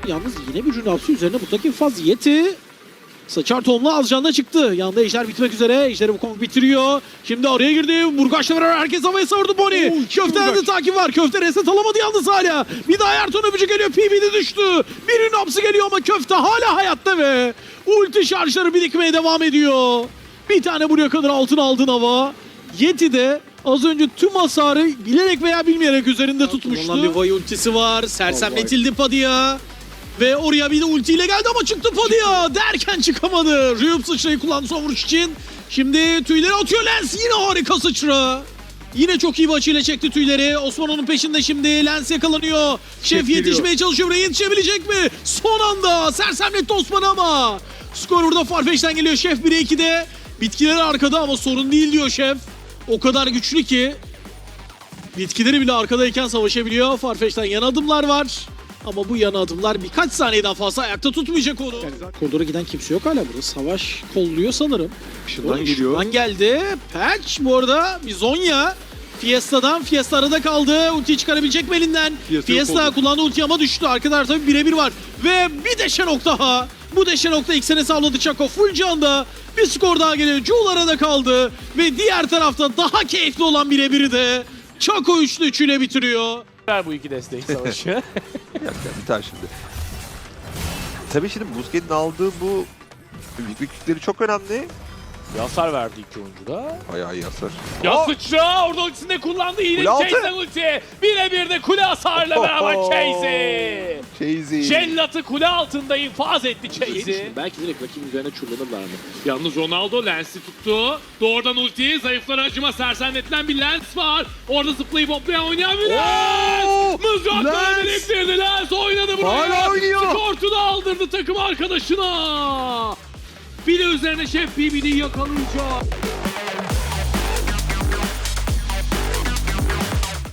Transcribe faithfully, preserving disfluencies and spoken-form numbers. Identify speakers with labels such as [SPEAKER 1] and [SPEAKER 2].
[SPEAKER 1] Yalnız yine bir Rünapsi üzerine buradaki faz Yeti. Saçar Tom'la az canla çıktı. Yanında Ejder bitmek üzere. Ejder'i bu Kong bitiriyor. Şimdi araya girdi. Burgaç'la beraber herkes havaya savurdu Bonnie. Köfte'den de takip var. Köfte reset alamadı yalnız hala. Bir daha Ertuğrul öpücü geliyor. P B'de düştü. Bir Rünapsi geliyor ama Köfte hala hayatta ve ulti şarjları birikmeye devam ediyor. Bir tane buraya kadar altın aldın hava. Yeti de az önce tüm hasarı bilerek veya bilmeyerek üzerinde tutmuştu. Ondan bir Vay ultisi var. Sersemletildi Padilla. Ve oraya bir de ultiyle geldi ama çıktı Padilla. Derken çıkamadı. Ryup sıçrayı kullandı son vuruş için. Şimdi tüyleri atıyor Lens. Yine harika sıçra. Yine çok iyi bir açıyla çekti tüyleri. Osman onun peşinde şimdi. Lens yakalanıyor. Şef, Şef yetişmeye çalışıyor. Buraya yetişebilecek mi? Son anda sersemletti Osman'ı ama. Skor burada Farfetch'ten geliyor. Şef bire ikide. Bitkileri arkada ama sorun değil diyor Şef. O kadar güçlü ki bitkileri bile arkadayken savaşabiliyor. Farfetch'ten yan adımlar var. Ama bu yan adımlar birkaç saniyeden fazla ayakta tutmayacak onu. Koridora giden kimse yok hala burada. Savaş kolluyor sanırım.
[SPEAKER 2] Şundan geliyor.
[SPEAKER 1] Şundan geldi. Patch bu arada bir Zonya. Fiesta'dan. Fiesta arada kaldı. Ultiyi çıkarabilecek mi elinden? Fiesta, Fiesta kullandı ultiyi ama düştü. Arkadaşlar tabii birebir var. Ve bir de Shenok daha. Bu de Shenok'ta ilk sene sağladı Chaco. Full canda. Bir skor daha geliyor. Jul arada kaldı. Ve diğer tarafta daha keyifli olan birebiri de Chaco üçlü üçüyle bitiriyor.
[SPEAKER 3] Bu iki destek savaşı.
[SPEAKER 2] Yok ya biter şimdi. Tabii şimdi Busquets'in aldığı bu büyüklükleri çok önemli.
[SPEAKER 3] Bir hasar verdi iki oyuncu da.
[SPEAKER 2] Bayağı iyi hasar.
[SPEAKER 3] Ya sıçra orada ultisini kullandı. Yine
[SPEAKER 2] Kule altı.
[SPEAKER 3] Chase'den ulti. Birebir de kule hasarla beraber Chase.
[SPEAKER 2] Chazy.
[SPEAKER 3] Jellat'ı kule altında infaz etti Chase.
[SPEAKER 1] Belki direkt rakibin üzerine çullanırlar mı?
[SPEAKER 4] Yalnız Ronaldo Lens'i tuttu. Doğrudan ulti, zayıflara acıma sersemletilen bir Lens var. Orada zıplayıp hoplayan oynayan bir Lens. Mızrakları biriktirdi Lens oynadı buraya.
[SPEAKER 2] Hala oynuyor.
[SPEAKER 4] Skortu da aldırdı takım arkadaşına. Bir de üzerine Şef B B'yi yakalayacak.